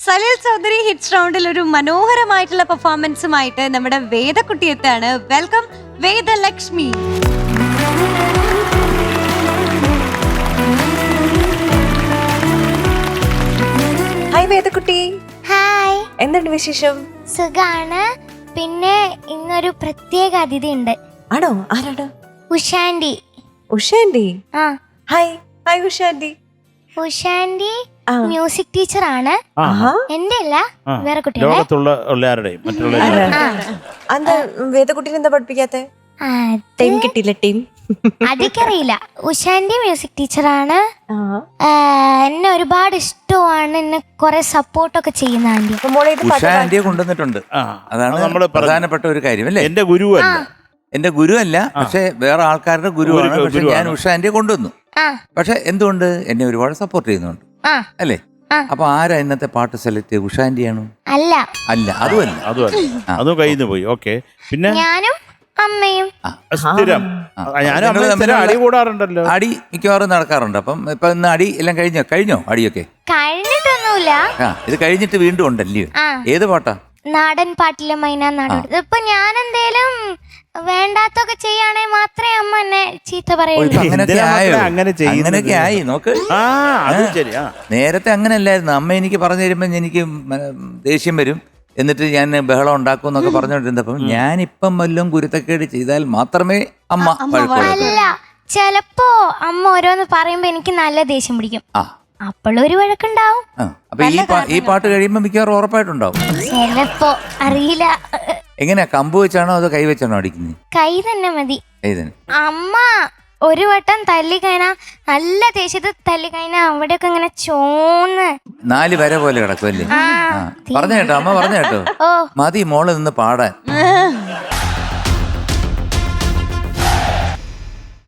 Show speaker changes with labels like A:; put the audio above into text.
A: Salil Chaudhary hits റൗണ്ടിൽ ഒരു മനോഹരമായിട്ടുള്ള പെർഫോമൻസുമായിട്ട് നമ്മുടെ വേദക്കുട്ടി എത്താണ്. വെൽക്കം വേദലക്ഷ്മി. ഹായ് വേദക്കുട്ടി.
B: ഹായ്,
A: എന്തുണ്ട് വിശേഷം?
B: സുഖാണ്. പിന്നെ ഇന്നൊരു പ്രത്യേക അതിഥി ഉണ്ട്.
A: ആണോ? ആരാണ്?
B: ഉഷാൻഡി.
A: ഉഷാൻഡി?
B: ആ,
A: hi. Hi Usha aunty.
B: Usha aunty music teacher ആണ്. എന്റെ അല്ല, വേറെ കുട്ടികളെ.
C: ലോകത്തുള്ളവരുടെയും
A: എന്താ വേദക്കുട്ടീനെ എന്താ പഠിപ്പിക്കാത്തെ? ടീം കിട്ടിയില്ല. ടീം
B: അതൊക്കറിയില്ല. ഉഷാൻഡി മ്യൂസിക് ടീച്ചറാണ്. എന്നെ ഒരുപാട് ഇഷ്ടമാണ്. എന്നെ കുറെ സപ്പോർട്ടൊക്കെ ചെയ്യുന്ന ആന്റി.
D: ഉഷാൻഡിയെ കൊണ്ടുവന്നിട്ടുണ്ട്. അതാണ് നമ്മുടെ പ്രധാനപ്പെട്ട ഒരു കാര്യം അല്ലേ?
C: എന്റെ ഗുരുവല്ല,
D: എന്റെ ഗുരുവല്ല, പക്ഷെ വേറെ ആൾക്കാരുടെ ഗുരുവാണ്. പക്ഷെ ഞാൻ ഉഷാൻഡിയെ കൊണ്ടുവന്നു. പക്ഷെ എന്തുകൊണ്ട് എന്നെ ഒരുപാട് സപ്പോർട്ട് ചെയ്യുന്നുണ്ട് അല്ലേ? അപ്പൊ ആരാ ഇന്നത്തെ പാട്ട് സെലക്ട് ചെയ്ത്? ഉഷാൻഡിയാണോ?
B: അല്ല
D: അല്ല, അതുമല്ല.
C: അതും കയ്യിൽ നിന്ന് പോയി. ഓക്കെ, പിന്നെ
B: ഞാനും അമ്മയും
C: സ്ഥിരം അടി കൂടാറുണ്ടല്ലോ.
D: അടി മിക്കവാറും നടക്കാറുണ്ട്. അപ്പം ഇപ്പൊ ഇന്ന് അടി എല്ലാം കഴിഞ്ഞോ അടിയൊക്കെ?
B: കഴിഞ്ഞിട്ടൊന്നുമില്ല.
D: ഇത് കഴിഞ്ഞിട്ട് വീണ്ടും ഉണ്ടല്ലോ. ഏത് പാട്ടാ?
B: നാടൻ പാട്ടിലെ മൈന നാടൻ. ഇപ്പൊ ഞാൻ എന്തേലും വേണ്ടാത്തൊക്കെ ചെയ്യാണെങ്കിൽ മാത്രമേ അമ്മ എന്നെ ചീത്ത പറയുള്ളൂ.
D: അങ്ങനെയൊക്കെ ആയി നോക്ക്. നേരത്തെ അങ്ങനെ അല്ലായിരുന്നു. അമ്മ എനിക്ക് പറഞ്ഞു തരുമ്പോ എനിക്ക് ദേഷ്യം വരും, എന്നിട്ട് ഞാൻ ബഹളം ഉണ്ടാക്കും എന്നൊക്കെ പറഞ്ഞോണ്ടിരുന്നപ്പം ഞാനിപ്പം വല്ലതും കുരുത്തക്കേട് ചെയ്താൽ മാത്രമേ അമ്മ
B: അല്ല, ചെലപ്പോ അമ്മ ഓരോന്ന് പറയുമ്പോ എനിക്ക് നല്ല ദേഷ്യം പിടിക്കും. അപ്പോഴൊരു വഴക്കുണ്ടാവും.
D: അപ്പൊ ഈ പാട്ട് കഴിയുമ്പോ മിക്കവാറും ഉറപ്പായിട്ടുണ്ടാവും.
B: ചെലപ്പോ അറിയില്ല.
D: എങ്ങനെയാ, കമ്പ് വെച്ചാണോ അതോ കൈ വെച്ചാണോ അടിക്കുന്നത്?
B: കൈ തന്നെ മതി.
D: കൈ തന്നെ.
B: അമ്മ ഒരു വട്ടം തല്ലിക്കഴിഞ്ഞാ, നല്ല ദേഷ്യത്തിൽ തല്ലിക്കഴിഞ്ഞാ അവിടെയൊക്കെ ഇങ്ങനെ ചോന്ന്
D: 4 വര പോലെ കിടക്കും അല്ലേ? പറഞ്ഞു കേട്ടോ, അമ്മ പറഞ്ഞു കേട്ടോ. മതി മോള് നിന്ന് പാടാൻ.